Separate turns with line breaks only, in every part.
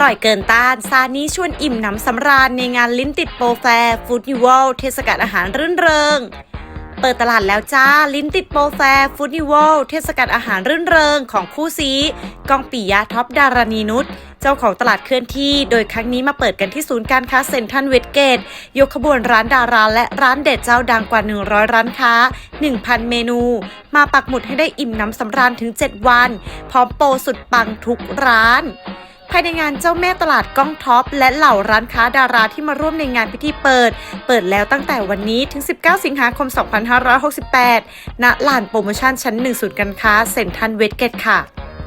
ร่อยเกินต้านซานี้ชวนอิ่มหนำสำราญในงานลิ้นติดโปรแฟร์ฟู้ดนิวลเทศกาลอาหารรื่นเริงเปิดตลาดแล้วจ้าลิ้นติดโปรแฟร์ฟู้ดนิวลเทศกาลอาหารรื่นเริงของคู่ซีก้องปิยะท็อปดารณีนุชเจ้าของตลาดเคลื่อนที่โดยครั้งนี้มาเปิดกันที่ศูนย์การค้าเซ็นทรัลเวสเกตยกขบวนร้านดาราและร้านเด็ดเจ้าดังกว่า100ร้านค้า 1,000 เมนูมาปักหมุดให้ได้อิ่มหนำสำราญถึง7วันพร้อมโปรสุดปังทุกร้านภายในงานเจ้าแม่ตลาดก้องท็อปและเหล่าร้านค้าดาราที่มาร่วมในงานพิธีเปิดแล้วตั้งแต่วันนี้ถึง19สิงหาคม2568ณลานโปรโมชั่นชั้น1ศูนย์การค้าเซ็นทรัลเวสเกตค่ะ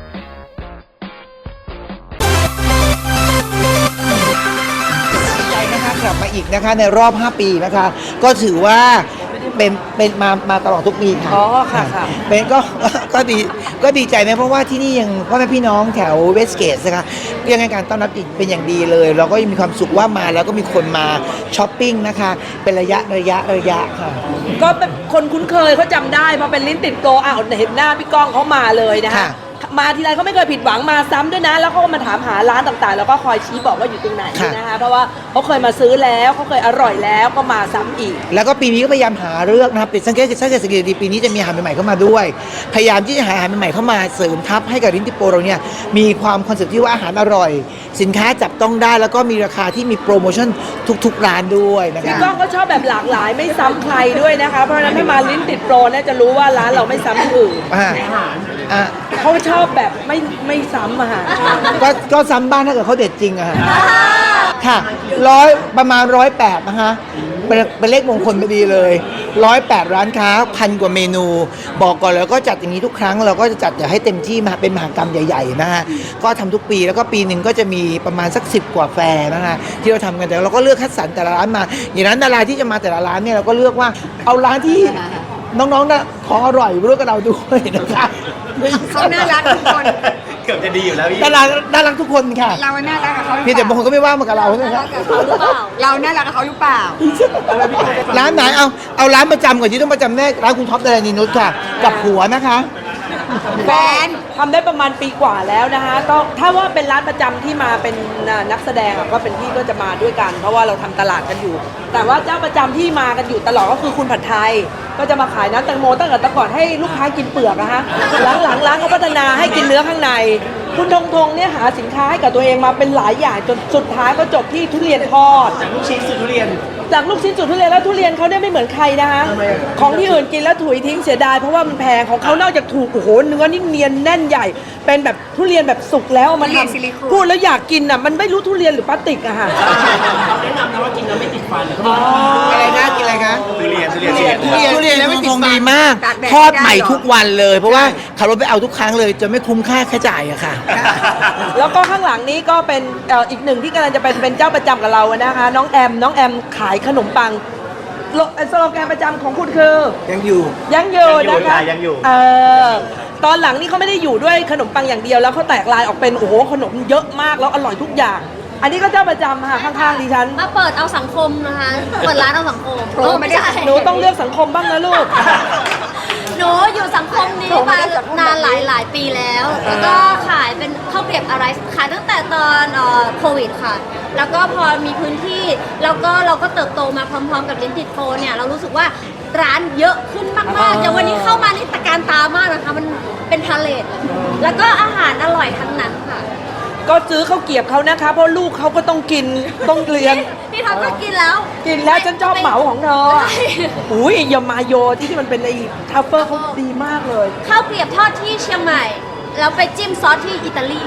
กลับมาอีกนะคะในรอบ5ปีนะคะก็ถือว่าเป็นมาตลอดทุกปีค่ะเป็นก็ดีใจไหมเพราะว่าที่นี่ยังพ่อแม่พี่น้องแถวเวสเกตนะคะยังให้การต้อนรับเป็นอย่างดีเลยเราก็ยังมีความสุขว่ามาแล้วก็มีคนมาช้อปปิ้งนะคะเป็นระยะค่ะ
ก็เป็นคนคุ้นเคยเขาจำได้พอเป็นลิ้นติดโตเห็นหน้าพี่ก้องเขามาเลยนะคะมาทีไรเขาไม่เคยผิดหวังมาซ้ำด้วยนะแล้วเขาก็มาถามหาร้านต่างๆแล้วก็คอยชี้บอกว่าอยู่ตรงไหนนะคะเพราะว่าเขาเคยมาซื้อแล้วเขาเคยอร่อยแล้วก็มาซ้ำอีก
แล้วก็ปีนี้ก็พยายามหาเลือกนะครับเป็นสังเกตดีปีนี้จะมีอาหารใหม่ๆเข้ามาด้วยพยายามที่จะหาอาหารใหม่ๆเข้ามาเสริมทับให้กับลิ้นติดโปรเราเนี่ยมีความคอนเซ็ปต์ที่ว่าอาหารอร่อยสินค้าจับต้องได้แล้วก็มีราคาที่มีโปรโมชั่นทุกๆร้านด้วยนะคะ
พี่ก้องก็ชอบแบบหลากหลายไม่ซ้ำใครด้วยนะคะเพราะฉะนั้นถ้ามาลิ้นติดโปรเนี่ยจะรู้ว่าร้านเราไม่ซ้ำอื่นเขาชอบแบบไม่ซ้ำอะค่ะ
ก็ซ้ำบ้างถ้าเกิดเขาเด็ดจริงอะค่ะประมาณ108นะคะเป็นเลขมงคลพอดีเลย108ร้านค้า1,000 กว่าเมนูบอกก่อนแล้วก็จัดอย่างนี้ทุกครั้งเราก็จะจัดอย่าให้เต็มที่มาเป็นมหกรรมใหญ่ๆนะฮะก็ทำทุกปีแล้วก็ปีหนึ่งก็จะมีประมาณสัก10 กว่าแฟร์นะคะที่เราทำกันแต่เราก็เลือกคัดสรรแต่ละร้านมาอย่างนั้นดาราที่จะมาแต่ละร้านเนี่ยเราก็เลือกว่าเอาร้านที่น้องๆนะของอร่อยร่วมกับเราด้วยนะคะ
เขาน่ารักทุกคน
เกือบจะดีอยู่แล้วพี่
น่ารักทุกคนค่ะ
เราน่ารักกับเขา
พี่แต่บางคนก็ไม่ว่ามากับเราใช่ไหมครับ
เราน่ารักกับเขาหรือเปล่า
ร้านไหนเอาร้านประจำก่อนที่ต้องประจำแน่ร้านคุณท็อปดารณีนุชค่ะกับผัวนะคะ
แฟนทำได้ประมาณปีกว่าแล้วนะคะก็ถ้าว่าเป็นร้านประจำที่มาเป็นนักแสดงก็เป็นพี่ก็จะมาด้วยกันเพราะว่าเราทำตลาดกันอยู่แต่ว่าเจ้าประจำที่มากันอยู่ตลอดก็คือคุณผัดไทยก็จะมาขายน้ำแตงโมตั้งแต่ก่อนให้ลูกค้ากินเปลือกนะคะหลังร้านเขาพัฒนาให้กินเนื้อข้างในคุณธงเนี่ยหาสินค้าให้กับตัวเองมาเป็นหลายอย่างจนสุดท้ายก็จบที่ทุเรียนทอด
จากลูกชิ้นสู่ทุเรียน
จากลูกชิ้นสู่ทุเรียนแล้วทุเรียนเขาเนี่ยไม่เหมือนใครนะคะของที่อื่นกินแล้วถุยทิ้งเสียดายเพราะว่ามันแพงของเขานอกจากถูกโอ้โหเนื้อนี่เนียนแน่นใหญ่เป็นแบบทุเรียนแบบสุกแล้วมันพูดแล้วอยากกินอ่ะมันไม่รู้ทุเรียนหรือพลาสติกอะค่ะ
เขาแนะนำนะว่ากินแล้วไม่ติดฟัน
อะไรนะกินอะไรคะ
ทุเรียน
แล้วไม่ติดดีมากทอดใหม่ทุกวันเลยเพราะว่าขับรถไปเอาทุกครั้งเลยจะไม่คุ้มค่าจ่ายอะค่ะ
แล้วก็ข้างหลังนี้ก็เป็นอีกหนึ่งที่กำลังจะเป็นเจ้าประจำกับเรานะคะน้องแอมขายขนมปังสโลแกนประจำของคุณคือ
ยังอยู่
นะคะตอนหลังนี่เขาไม่ได้อยู่ด้วยขนมปังอย่างเดียวแล้วเขาแตกลายออกเป็นโอ้โหขนมเยอะมากแล้วอร่อยทุกอย่างอันนี้ก็เจ้าประจำค่ะข้างๆดิฉัน
มาเปิดเอาสังคมนะคะเปิดร้านเอาสังคม
ไม่ได้หนูต้องเลือกสังคมบ้างนะลูก
หนูอยู่สังคมนี้มานานหลายปีแล้วแล้วก็ขายเป็นข้าวเกรียบอะไรขายตั้งแต่ตอนโควิดค่ะแล้วก็พอมีพื้นที่แล้วก็เราก็เติบโตมาพร้อมๆกับลิ้นติดโปรเนี่ยเรารู้สึกว่าร้านเยอะขึ้นมากๆอย่างวันนี้เข้ามานี่ตะการตามากนะคะมันเป็นพาเลทแล้วก็อาหารอร่อยทั้งนั้นค่ะ
ก็ซื้อข้าวเกรียบเขานะคะเพราะลูกเขาก็ต้องกินต้องเรียน
พี่ท็อปก็กินแล้ว
ฉันชอบเหมาของเธออุ้ยยามาโยที่มันเป็นไอ้ทัฟเฟอร์เขาดีมากเลย
ข้าวเกรียบทอดที่เชียงใหม่แล้วไปจิ้มซอสที่อิตาลี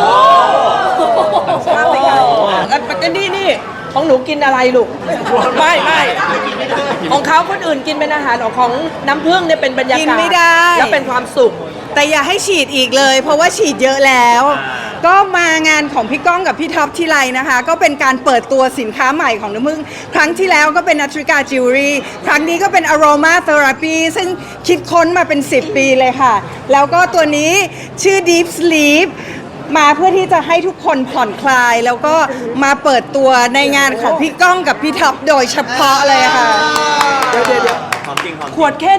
นี่ของหนูกินอะไรลูกไม่ของเขาคนอื่นกินเป็นอาหารของน้ำผึ้งเนี่ยเป็นบรรยากาศ
กินไม่ได้
แล้วเป็นความสุข
แต่อย่าให้ฉีดอีกเลยเพราะว่าฉีดเยอะแล้วก็มางานของพี่ก้องกับพี่ท็อปที่ไรนะคะก็เป็นการเปิดตัวสินค้าใหม่ของน้ำผึ้งครั้งที่แล้วก็เป็นนัทริกาจิวเวลรี่ครั้งนี้ก็เป็น Aroma Therapy ซึ่งคิดค้นมาเป็น10 ปีเลยค่ะแล้วก็ตัวนี้ชื่อ Deep Sleep มาเพื่อที่จะให้ทุกคนผ่อนคลายแล้วก็มาเปิดตัวในงานของพี่ก้องกับพี่ท็อปโดยเฉพาะเลยค่ะ
เดี๋ยวขวดแค่นี้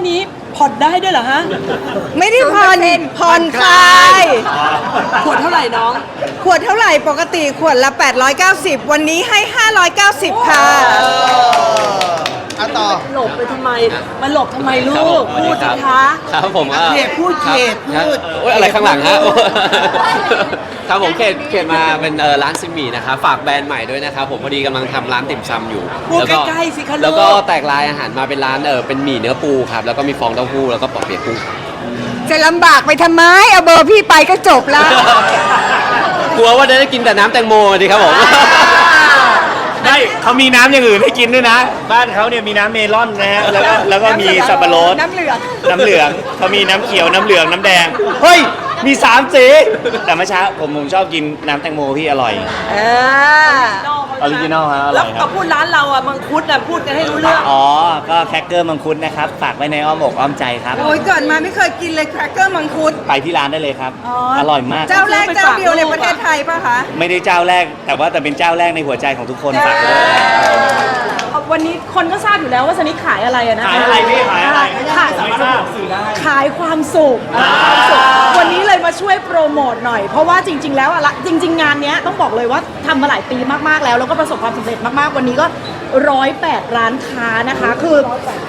ผ่อนได้ด้วยเหรอฮะ
ไม่ได้ผ่อนคลาย
ขวดเท่าไหร่น้อง
ขวดเท่าไหร่ปกติขวดละ 890 วันนี้ให้ 590 ค่ะ
เอาต่อ
หลบไปทำไมมาหลบทำไมลู
ครับผม
ก พูดสิคะ
ครับผม
เขตพูดเขตพูด
โอ้ยอะไรข้างหลังฮะ ครับผมเขตมาเป็นร้านซิมหมี่นะครับฝากแบรนด์ใหม่ด้วยนะครับผมพอดีกำลังทำร้านติ่มซำอยู่
พูด
แล้วก็
ใกล้ๆสิคะลูก
แล้วก็แตกลายอาหารมาเป็นร้านเป็นหมี่เนื้อปูครับแล้วก็มีฟองเต้าหู้แล้วก็ปอเปี๊ยกกุ้ง
จะลำบากไปทำไม เอาเบอร์พี่ไปก็จบแล้ว
กลัวว่าจะได้กินแต่น้ำแตงโมดีครับผม
ไม่เขามีน้ำอย่างอื่นให้กินด้วยนะ บ้านเขาเนี่ยมีน้ำเมลอนนะฮะแล้วก็มีสับปะรด
น้ำเหลือง
น้ำเหลืองเขามีน้ำเขียวน้ำเหลืองน้ำแดงเฮ้ยมี3สีแต่เมื่อเช้าผมชอบกินน้ำแตงโมพี่อร่อย ออริจินอลฮะอร่
แล้
อ
วย
ครั
ก็
บ
พูดร้านเราอ่ะมังคุดอ่ะพูดกันให้รู้เรื่อง
อ๋อก็แครกเกอร์มังคุดนะครับฝากไว้ในอ้อมอกอ้อมใจครับ
โอ้ยก่อนมาไม่เคยกินเลยแครกเกอร์มังคุด
ไปที่ร้านได้เลยครับ อร่อยมาก
เจ้าแรกเจ้าเดียวในประเทศไทยป่ะคะ
ไม่ได้เจ้าแรก แต่เป็นเจ้าแรกในหัวใจของทุกคนฝากด้วย
วันนี้คนก็ทราบอยู่แล้วว่าสนิทขายอะไรอะนะ
ขายอะไรพี่ขายอะไร
ขาย
สามารถสื่อได้
ขายความสุขวันนี้เลยมาช่วยโปรโมทหน่อย เพราะว่าจริง ๆ แล้วอะจริง ๆ งานเนี้ยต้องบอกเลยว่าทำมาหลายปีมากๆแล้วแล้วก็ประสบความสำเร็จมากๆวันนี้ก็108ร้านค้านะคะคือ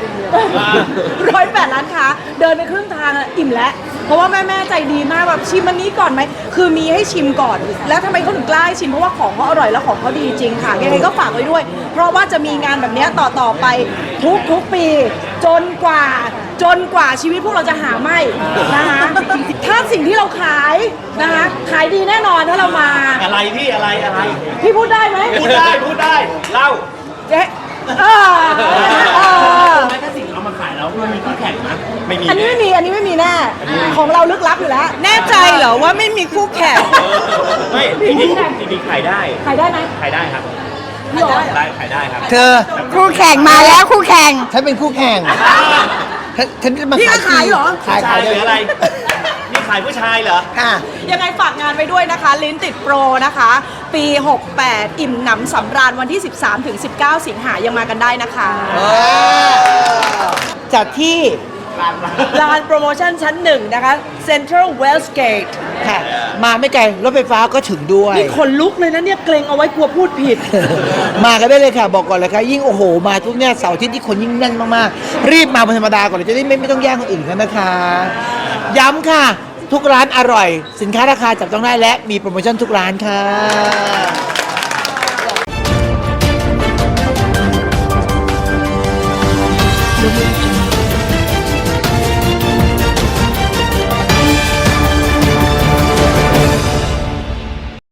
108ร้านค้าเดินไปครึ่งทางอะอิ่มแล้วเพราะว่าแม่ๆใจดีมากแบบชิมอันนี้ก่อนไหมคือมีให้ชิมก่อน แล้วทำไมเขาถึงกล้าให้ชิมเพราะว่าของเขาอร่อยแล้วของเขาดีจริงค่ะยังไงก็ฝากไว้ด้วย เพราะว่าจะมีงานแบบเนี้ยต่อไปทุกปีจนกว่าชีวิตพวกเราจะหาไม่นะคะถ้าสิ่งที่เราขายนะคะขายดีแน่นอนถ้าเรามา
อะไรพี่อะไร
พี่พูดได้ไหม
พูดได้เล่า
เจ๊เออ
ถ้าสิ่งเอามาขายแล้วมันมีคู่แข่งนะไม่มี
อันนี้ไม่มีแน่ของเราลึกลับอยู่แล้ว
แน่ใจเหรอว่าไม่มีคู่แข่ง
ไม่จริงๆขายได้
ขายได้ไหม
ขายได้ครับ
พี่หรอ
ขายได้ครับ
เธอ
คู่แข่งมาแล้วคู่แข่ง
ฉันเป็นคู่แข่งฉันจะมา
พี่ก็ขายเหรอ
ขาย
ผู้ชายหรืออะไร นี่ขายผู้ชายเหรอ
ค่ะ
ยังไงฝากงานไว้ด้วยนะคะ ลิ้นติดโปรนะคะ ปี 68 อิ่มหนำสำราญวันที่ 13-19 สิงหายังมากันได้นะคะ
จัดที่
ลานโปรโมชั่นชั้น 1 นะคะ Central Westgate
ค่ะ มาไม่ไกลรถไฟฟ้าก็ถึงด้วย
นี่ขนลุกเลยนะเนี่ยเกรงเอาไว้กลัวพูดผิด
มากันได้เลยค่ะ บอกก่อนเลยค่ะ ยิ่งโอ้โห มาทุกเนี่ยเสาร์อาทิตย์ที่คนยิ่งแน่นมากๆ รีบมาเป็นธรรมดาก่อนเลยจะได้ไม่ต้องแย่งคนอื่นกันนะคะ ย้ำค่ะ ทุกร้านอร่อย สินค้าราคาจับต้องได้และมีโปรโมชั่นทุกร้านค่ะ